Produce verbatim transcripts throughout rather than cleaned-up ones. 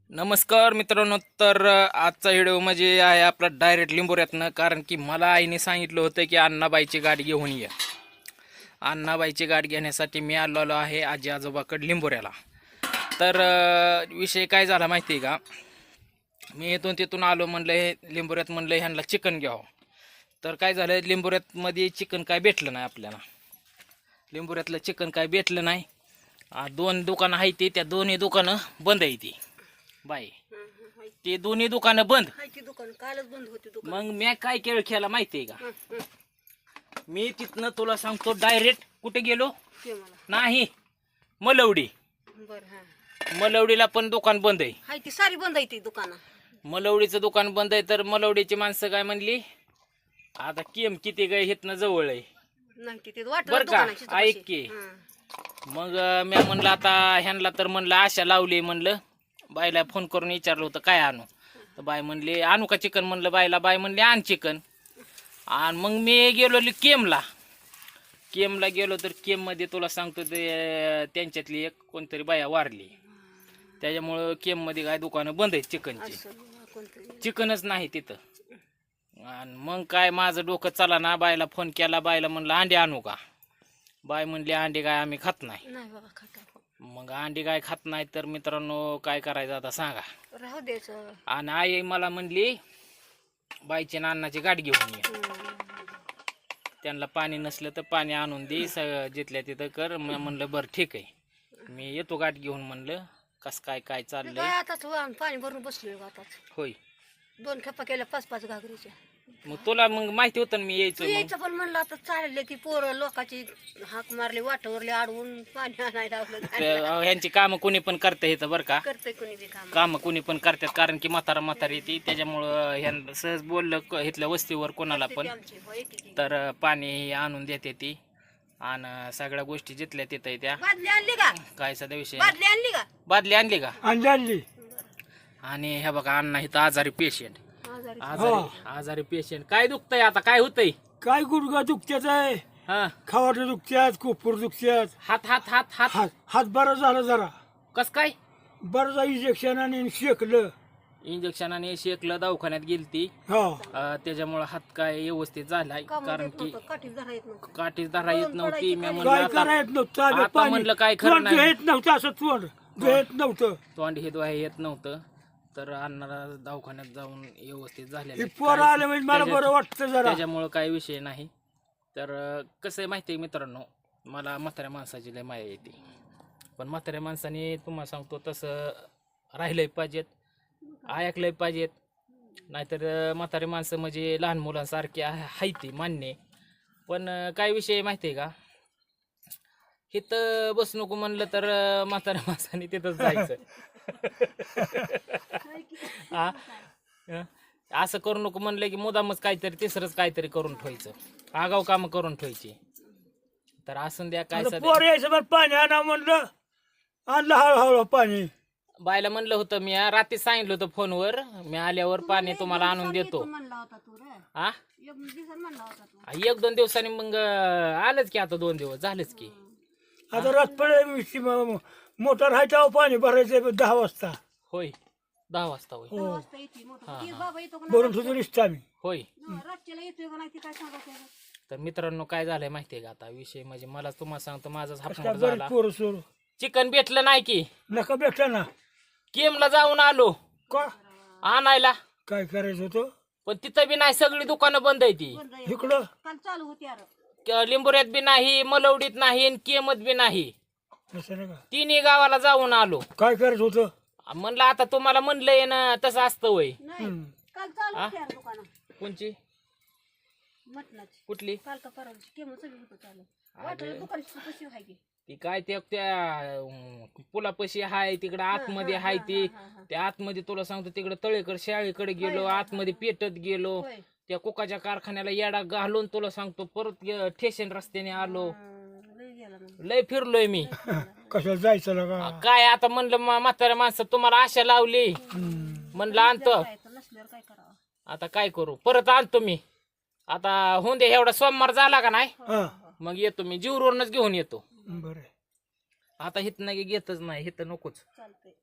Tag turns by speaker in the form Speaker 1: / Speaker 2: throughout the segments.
Speaker 1: नमस्कार मित्रांनो. तर आजचा व्हिडिओ म्हणजे आहे आपला डायरेक्ट लिंबोऱ्यातनं. कारण की मला आईने सांगितलं होतं की अण्णाबाईची गाडी घेऊन ये. अण्णाबाईची गाडी घेण्यासाठी मी आलेलो आहे आजी आजोबाकडे लिंबोऱ्याला. तर विषय काय झाला माहिती आहे का, मी इथून तिथून आलो, म्हणलं हे लिंबोऱ्यात, म्हणलं ह्यांना चिकन घ्यावं. तर काय झालं, लिंबोऱ्यातमध्ये चिकन काय भेटलं नाही आपल्याला. लिंबोऱ्यातलं चिकन काय भेटलं नाही. दोन दुकानं आहेत ती, त्या दोन्ही दुकानं बंद आहे ती बाई. ते दोन्ही दुकानं बंद. मग मी काय खेळ खेळला माहितीये का, मी तिथनं तुला सांगतो डायरेक्ट कुठे गेलो नाही, मलवडी. मलवडीला पण दुकान बंद आहे.
Speaker 2: ती सारी बंद आहे ती दुकान.
Speaker 1: मलवडीचं दुकान बंद आहे. तर मलवडीची माणसं काय म्हणली, आता केम किती काय हितनं जवळ आहे बर का, ऐक की. मग मी म्हणलं आता ह्यांना, तर म्हणलं आशा लावली. म्हणलं बाईला फोन करून विचारलं होतं काय आणू, तर बाई म्हणली आणू का चिकन. म्हणलं बाईला, बाई म्हणली आण चिकन. आणि मग मी गेलो केमला. केमला गेलो तर केममध्ये तुला सांगतो ते त्यांच्यातली एक कोणतरी बाया वारली. त्याच्यामुळं केममध्ये काय दुकानं बंद आहेत चिकनची, चिकनच नाही तिथं. आणि मग काय माझं डोकं चला ना, बायला फोन केला. बायला म्हणलं अंडे आणू का. बाय म्हणली अंडे काय आम्ही खात नाही. मग अंडी काय खात नाही. तर मित्रांनो काय करायचं आता सांगा.
Speaker 2: राहू द्यायचं.
Speaker 1: आणि आई मला म्हणली बाईची नानाची गाडी घेऊन ये, त्यांना पाणी नसलं तर पाणी आणून दे, जिथल्या तिथं कर. मी म्हणलं बरं ठीक आहे, मी येतो गाडी घेऊन. म्हणलं कस काय काय चाललंय.
Speaker 2: आताच पाणी भरून बसलोय आताच.
Speaker 1: होय,
Speaker 2: दोन खेपा केल्या पाच पाच घागरीच्या.
Speaker 1: मग तुला मग माहिती होतं मी यायचं.
Speaker 2: यायचं पण म्हणलं आता चालले ती पोरं लोकांची हाक मारली, वाटावरले अडवून पाणी आणायला लावलं.
Speaker 1: ह्यांची कामं कोणी पण करता येतं बरं का,
Speaker 2: करतंय कोणी बी काम.
Speaker 1: कामं कोणी पण करतात. कारण की म्हातारा म्हातारी येते, त्याच्यामुळं ह्यांना सहज बोललं इथल्या वस्तीवर कोणाला पण तर पाणी आणून देते ती. आणि सगळ्या गोष्टी जिथल्या तिथं त्या.
Speaker 2: बादली आणली का,
Speaker 1: काय सध्या विषय,
Speaker 2: बादली आणली का,
Speaker 1: बादली आणली का.
Speaker 3: आणली.
Speaker 1: आणि हे बघा अण्णा इथं आजारी पेशंट, आजारी आजारी पेशंट. काय दुखतंय आता, काय होतंय.
Speaker 3: काय गुडघा दुखत्याच आहे,
Speaker 1: हा,
Speaker 3: खावाटं दुखत्यात, कोपूर दुखत्यात,
Speaker 1: हात हात हात हात
Speaker 3: हात हात बरा झाला जरा.
Speaker 1: कस काय.
Speaker 3: बरं जा इंजेक्शन आणि शेकलं.
Speaker 1: इंजेक्शनाने शेकलं, दवाखान्यात गेलती.
Speaker 3: हा,
Speaker 1: त्याच्यामुळे हात काय व्यवस्थित झालाय. कारण की
Speaker 2: काठी धरा येत नव्हतं.
Speaker 1: काठीच धरा येत नव्हती. मी
Speaker 3: काय
Speaker 1: म्हणलं
Speaker 3: करा येत नव्हतं.
Speaker 1: आता
Speaker 3: पाणी
Speaker 1: म्हणलं काय खरं
Speaker 3: तोंड
Speaker 1: नाही.
Speaker 3: येत नव्हतं, असं तोंड येत नव्हतं.
Speaker 1: तोंड हे दोहा येत नव्हतं. तर अण्णाला दवाखान्यात जाऊन व्यवस्थित
Speaker 3: हे
Speaker 1: झालेलं.
Speaker 3: पोरं आले म्हणजे मला बरं वाटतं जरा.
Speaker 1: त्याच्यामुळं काही विषय नाही. तर कसं आहे माहिती आहे मित्रांनो, मला म्हाताऱ्या माणसाची लय माया येते. पण म्हाताऱ्या माणसाने तुम्हाला सांगतो तसं राहिलंय पाहिजेत, ऐकलंय पाहिजेत. नाहीतर म्हातारे माणसं म्हणजे लहान मुलांसारखे आहे ती मान्य. पण काय विषय माहिती आहे का, इथं बस नको म्हणलं तर म्हाताऱ्या माणसाने तिथंच जायचं. हा, असं करू नको म्हणलं की मुदामच काहीतरी तिसरंच काहीतरी करून ठेवायचं, आगाव काम करून ठेवायची. तर असून द्या काय सध्या.
Speaker 3: पोर यायचं बरं, पाणी आणा म्हणलं, आणलं हळूहळू पाणी.
Speaker 1: बायला म्हणलं होतं मी, रात्री सांगितलं होतं फोनवर, मी आल्यावर पाणी तुम्हाला आणून देतो. हा, एक दोन दिवसांनी मग आलंच की, आता दोन दिवस झालंच की.
Speaker 3: आता रात पडे मोटर आहे तेव्हा पाणी भरायचं दहा वाजता.
Speaker 1: होय, दहा वाजता. होय
Speaker 3: भरून तुझं निसतं आम्ही.
Speaker 1: होय. तर मित्रांनो काय झालंय माहितीये का, आता विषय म्हणजे मला तुम्हाला सांगतो, माझाच हापमोड झाला.
Speaker 3: पोरं सोर
Speaker 1: चिकन भेटलं नाही की
Speaker 3: नका भेटला ना.
Speaker 1: केमला जाऊन आलो
Speaker 3: का
Speaker 1: आणायला,
Speaker 3: काय करायचं होतं,
Speaker 1: पण तिथं बी नाही, सगळी दुकानं बंद आहे ती.
Speaker 3: इकडं
Speaker 2: चालू होती
Speaker 1: लिंबोऱ्यात बी नाही, मलवडीत नाही, आणि केमत बी नाही.
Speaker 3: असं नका.
Speaker 1: तिन्ही गावाला जाऊन आलो.
Speaker 3: काय करायचं होतं.
Speaker 1: म्हणलं आता तुम्हाला म्हणलंय ना तसं असतं वय.
Speaker 2: काल चालू होती दुकान
Speaker 1: कोणची,
Speaker 2: मटणाची.
Speaker 1: कुठली.
Speaker 2: काल का परवा केम सगळं होतं चालू. वाटलं दुकानची कशी आहे की
Speaker 1: ती काय त्या त्या पुलापशी हाय तिकडं आतमध्ये हाय ती. त्या आतमध्ये तुला सांगतो तिकडं तळेकर शाळेकडे गेलो, आतमध्ये पेटत गेलो, त्या कोकाच्या कारखान्याला येडा घालून तुला सांगतो परत ठेशन रस्त्याने आलो. लय फिरलोय मी.
Speaker 3: कशाला जायचं ना.
Speaker 1: काय आता म्हणलं म्हाताऱ्या माणसं तुम्हाला आशा लावली, म्हणलं आणतो. आता काय करू, परत आणतो मी. आता होऊन दे, एवढा सोमवार झाला का नाही, मग येतो मी, जीवरूनच घेऊन येतो.
Speaker 3: बरं,
Speaker 1: आता हित नाही घेतच नाही, हित नकोच.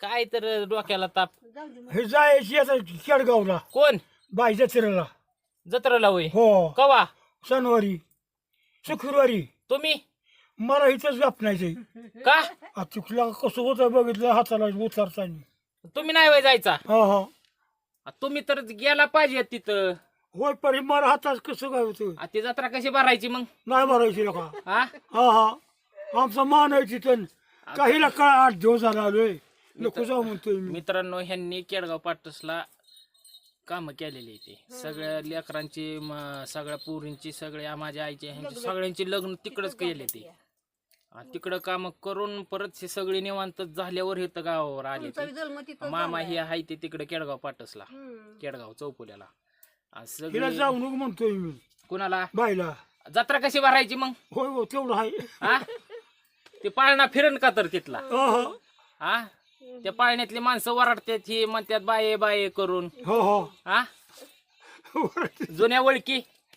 Speaker 1: काय तर डोक्याला ताप.
Speaker 2: जाऊ दे मग.
Speaker 3: हे जायची आता केडगावला
Speaker 1: कोण
Speaker 3: बाई जत्रेला.
Speaker 1: जत्रेला होय
Speaker 3: हो
Speaker 1: कवा
Speaker 3: शनिवारी शुक्रवारी
Speaker 1: तुम्ही
Speaker 3: मला इथंच गपणायचंय.
Speaker 1: का
Speaker 3: आ चुकला कसं होतं बघितलं हाताला उतारताना.
Speaker 1: तुम्ही नाही वय जायचा
Speaker 3: हा हा
Speaker 1: आ, तुम्ही तर गेला पाहिजे तिथं.
Speaker 3: होय परी मला हातात कसं काय होतं
Speaker 1: आ, ती जत्रा कशी भरायची मग
Speaker 3: नाही भरायची नका.
Speaker 1: हा
Speaker 3: हा हा आमचा मान आहे तिथं काहीला काय आठ दिवस झाला आलोय नको जाऊ म्हणतोय मी.
Speaker 1: मित्रांनो ह्यांनी केडगाव पाटसला काम केलेली ते सगळ्या लेकरांची म- सगळ्या पोरींची सगळ्या माझ्या आईची ह्यांची सगळ्यांची लग्न तिकडच केले ते. आ, तिकडं काम करून परत हे सगळे निवांत झाल्यावर इथं गावावर आले
Speaker 2: तुमचा
Speaker 1: ते.
Speaker 2: जन्म तिथं
Speaker 1: मामा
Speaker 2: झालाय.
Speaker 1: हे आहे ते तिकडे केडगाव पाटसला
Speaker 2: हम्म.
Speaker 1: केडगाव चौपुल्याला. आ,
Speaker 3: तिला
Speaker 1: सगळे
Speaker 3: जाऊ नको म्हणतोय मी
Speaker 1: कुणाला
Speaker 3: बाईला.
Speaker 1: जत्रा कशी भरायची मग
Speaker 3: होय हो तेवढं आहे.
Speaker 1: हा ते पाळणा फिरण का तर तिथला
Speaker 3: हो हो
Speaker 1: हा त्या पाळण्यातली माणसं वरडतात ही म्हणतात बाये बाये करून
Speaker 3: हो हो
Speaker 1: हा जुन्या ओळखी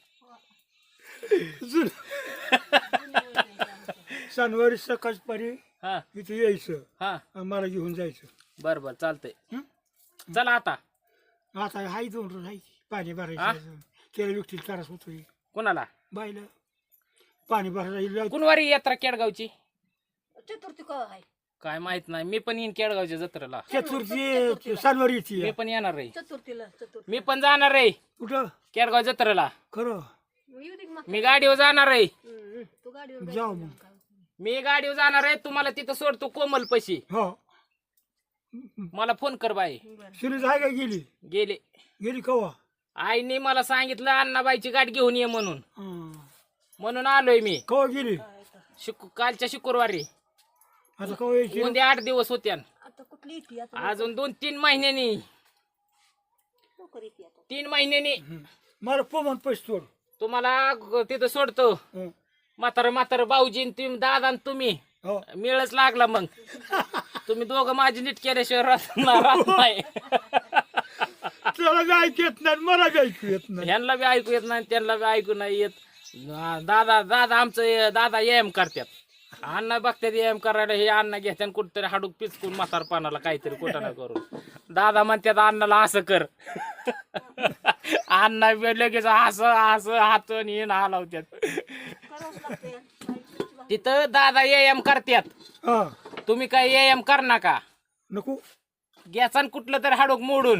Speaker 3: जुन- शनिवारी सकाळच पारी
Speaker 1: हा
Speaker 3: इथे यायचं
Speaker 1: हा
Speaker 3: आणि मला घेऊन जायचं.
Speaker 1: बर बर चालतंय
Speaker 3: हं?
Speaker 1: चला आता
Speaker 3: आता हाय दोन रोज आहे पाणी
Speaker 1: हा?
Speaker 3: भरायचं त्याला व्यक्तीला त्रास होतोय
Speaker 1: कोणाला
Speaker 3: बाईला पाणी भरायला.
Speaker 1: कुणवारी यात्रा केडगावची
Speaker 2: चतुर्थी कवा आहे
Speaker 1: काय माहित नाही मी पण येईन केडगावच्या जत्रेला
Speaker 3: चतुर्थी शनिवारी
Speaker 1: मी
Speaker 3: येते.
Speaker 1: पण येणार आहे
Speaker 2: चतुर्थीला चतुर्थी
Speaker 1: मी पण जाणार आहे
Speaker 3: कुठं
Speaker 1: केडगाव जत्रेला
Speaker 3: खरं
Speaker 2: मग येऊ दे की मग.
Speaker 1: मी गाडीवर जाणार आहे
Speaker 2: हम्म. तू गाडीवर
Speaker 3: जाऊ मग.
Speaker 1: मी गाडीवर जाणार आहे तुम्हाला तिथं सोडतो कोमल पशी
Speaker 3: हो
Speaker 1: मला फोन कर बाई
Speaker 3: सुनीत आहे का गेली
Speaker 1: गेले
Speaker 3: गेली कवा.
Speaker 1: आईने मला सांगितलं अण्णाबाईची गाठ घेऊन ये म्हणून
Speaker 3: हं.
Speaker 1: म्हणून आलोय मी
Speaker 3: कवा गेली
Speaker 1: शुक कालच्या शुक्रवारी
Speaker 3: आता कवा यायची.
Speaker 1: उद्या आठ दिवस होत्या
Speaker 2: आता कुठली येते आता
Speaker 1: अजून दोन तीन महिन्यांनी
Speaker 2: लवकर येते आता
Speaker 1: तीन महिन्यांनी
Speaker 3: हं. मला पोमन पैसे तोड.
Speaker 1: तुम्हाला ग- तिथं सोडतो
Speaker 3: हं.
Speaker 1: म्हातारं म्हातारं भाऊजी न तुम्ही दादा न तुम्ही
Speaker 3: हो
Speaker 1: मिळच लागला मग तुम्ही दोघं माझी नीट केल्याशिवाय राहत ना- राहत नाही
Speaker 3: त्याला बी ऐकू येत नाही मला बी ऐकू येत नाही.
Speaker 1: ह्यांना बी ऐकू येत नाही त्यांना बी ऐकू नाही येत. दादा दादा आमचं दादा एम करतात अण्णा बघतात एम करायला हे अण्णा घेतात कुठतरी हाडूक पिचकून म्हातारपणाला काहीतरी कुठं करून दादा म्हणतात अण्णाला असं कर अण्णा बी लगेच असं असं हातून येऊन हलवतात.
Speaker 2: करावंच लागते
Speaker 1: तिथं दादा एम करतात
Speaker 3: हा
Speaker 1: तुम्ही काय एम कर नका
Speaker 3: नको
Speaker 1: घ्याचा कुठलं तरी हाडूक मोडून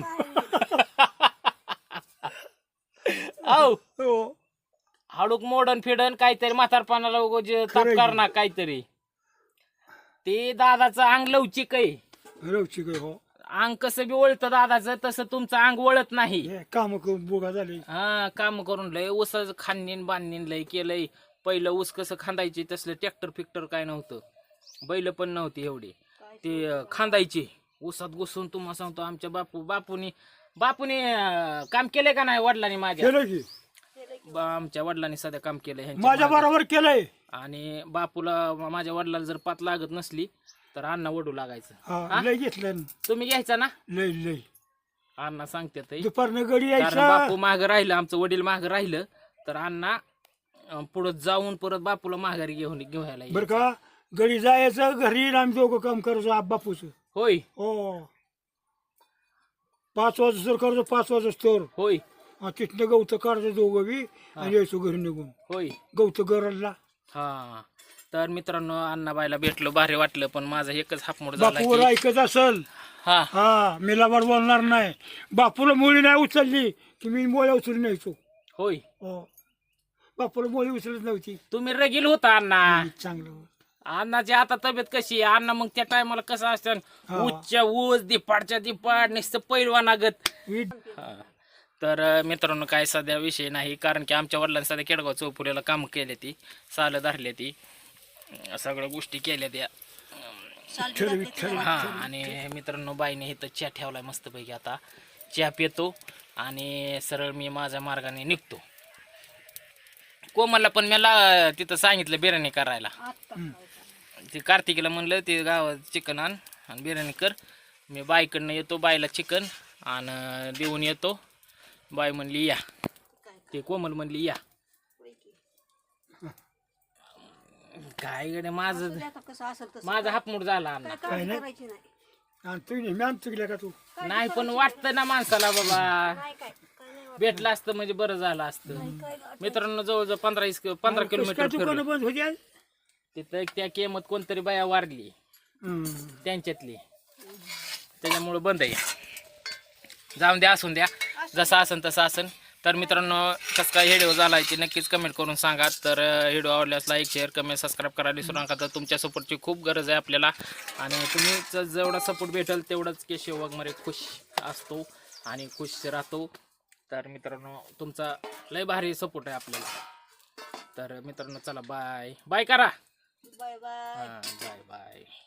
Speaker 1: औ
Speaker 3: हो
Speaker 1: हाडूक मोडन फिडन काहीतरी म्हातारपणाला उगाच ताप
Speaker 3: खरंय.
Speaker 1: करणार काहीतरी. ते दादाचं अंग लवचिक आहे
Speaker 3: रवची काय हो
Speaker 1: अंग कसं बी वळतं दादाचं तसं तुमचं अंग वळत नाही.
Speaker 3: हे काम करून बोगा झाले.
Speaker 1: हा काम करून लय ऊस खांदीन बांधीन लय केलंय. पहिलं ऊस कसं खांदायचे तसलं ट्रॅक्टर फिक्टर काय नव्हतं बैल पण नव्हती एवढी ते अं, खांदायचे ऊसात घुसून. तुम्हाला सांगतो आमच्या बापू बापूनी बापूने अं, काम केलंय का नाही वडिलांनी माझ्या
Speaker 3: केलं की
Speaker 1: बा- आमच्या वडिलांनी सध्या काम केलंय ह्यांच्या
Speaker 3: माझ्या
Speaker 1: मागं.
Speaker 3: बरोबर केलंय.
Speaker 1: आणि बापूला माझ्या वडिलाला जर पात लागत नसली तर अण्णा वडू लागायचं.
Speaker 3: हा लय घेतलं
Speaker 1: तुम्ही घ्यायचा ना
Speaker 3: लय लय
Speaker 1: अण्णा सांगतात
Speaker 3: दुपारनं गडी
Speaker 1: कारण
Speaker 3: यायचा.
Speaker 1: बापू माग राहिलं आमचं वडील माग राहिलं तर अण्णा अं, पुढं जाऊन परत बापूला माघारी घेऊन घेऊन
Speaker 3: बर का गडी जायचं घरी आम्ही दोघं काम करायचो आप बापूच.
Speaker 1: होय
Speaker 3: हो पाच वाजता तर करायचो पाच वाजता तर
Speaker 1: होय
Speaker 3: तिथनं गवतं काढायचं दोघं बी आणि यायचो घरी निघून
Speaker 1: होय
Speaker 3: गवतं गरजला.
Speaker 1: हा तर मित्रांनो अण्णाबाईला भेटलो भारी वाटलं पण माझा एकच हापमोड झाला
Speaker 3: बापूवर
Speaker 1: की
Speaker 3: ऐकत असल
Speaker 1: हा
Speaker 3: हा मी लबाड बोलणार नाही. बापूला मुली नाही उचलली की मी मोळ्या उचलून न्यायचो.
Speaker 1: होय
Speaker 3: हो बापूला मोळी उचलत नव्हती.
Speaker 1: तुम्ही रगील होता अण्णा.
Speaker 3: चांगलं
Speaker 1: अण्णाची आता तब्येत कशी आहे अण्णा मग त्या टायमाला कसं असतं
Speaker 3: हा.
Speaker 1: उच्च ऊस दिपाडच्या दिपाड नुसतं पैलवानागत.
Speaker 3: वीट
Speaker 1: हा. तर अं, मित्रांनो काय सध्या विषय नाही कारण की आमच्या वडिलांनी सध्या केडगाव चौफुल्याला काम केले ती सालं धरले ती अं, सगळ्या गोष्टी केल्या त्या
Speaker 3: ठरवी ठरवी
Speaker 1: हा. आणि मित्रांनो बाईने इथं चहा ठेवलाय मस्तपैकी आता चहा पितो आणि सरळ मी माझ्या मार्गाने निघतो. कोमलला पण मला तिथं सांगितलं बिर्याणी करायला. ते कार्तिकीला म्हणलं ते गावात चिकन आण आणि बिर्याणी कर. मी बाईकडनं येतो बाईला चिकन आणि देऊन येतो. बाई म्हणली या ते कोमल म्हणली या काय गडे माझं
Speaker 2: आता कसं असेल तसं
Speaker 1: माझा हापमूड झाला अण्णा.
Speaker 2: काय काळजी करायची नाही.
Speaker 3: आणि तू नेहमी आम चुकल्या का तू
Speaker 1: नाही पण वाटतं ना माणसाला बाबा
Speaker 2: नाही काय काय नाही वाटत.
Speaker 1: भेटलं असतं म्हणजे बरं झालं असतं मित्रांनो जवळजवळ पंधरा इस पंधरा
Speaker 3: काय
Speaker 1: किलोमीटर
Speaker 3: दुकानं
Speaker 1: फिरलो.
Speaker 3: बंद होती आज?
Speaker 1: तिथं त्या केमत कोणतरी बाया वारली
Speaker 3: हम्म.
Speaker 1: त्यांच्यातली त्याच्यामुळं बंद आहे. जाऊन द्या असून द्या जसं असन तसं असन. तर मित्रांनो कसं काय व्हिडिओ झाला ते नक्कीच कमेंट करून सांगा. तर व्हिडिओ आवडल्यास लाईक शेअर कमेंट सबस्क्राईब करायला विसरू नका. तर तुमच्या सपोर्टची खूप गरज आहे आपल्याला आणि तुम्ही जेवढा सपोर्ट भेटेल तेवढंच केशव वाघमारे खुश असतो आणि खुश राहतो. तर मित्रांनो तुमचा लय भारी सपोर्ट आहे आपल्याला. तर मित्रांनो चला बाय बाय करा.
Speaker 2: Bye bye.
Speaker 1: हां बाय बाय.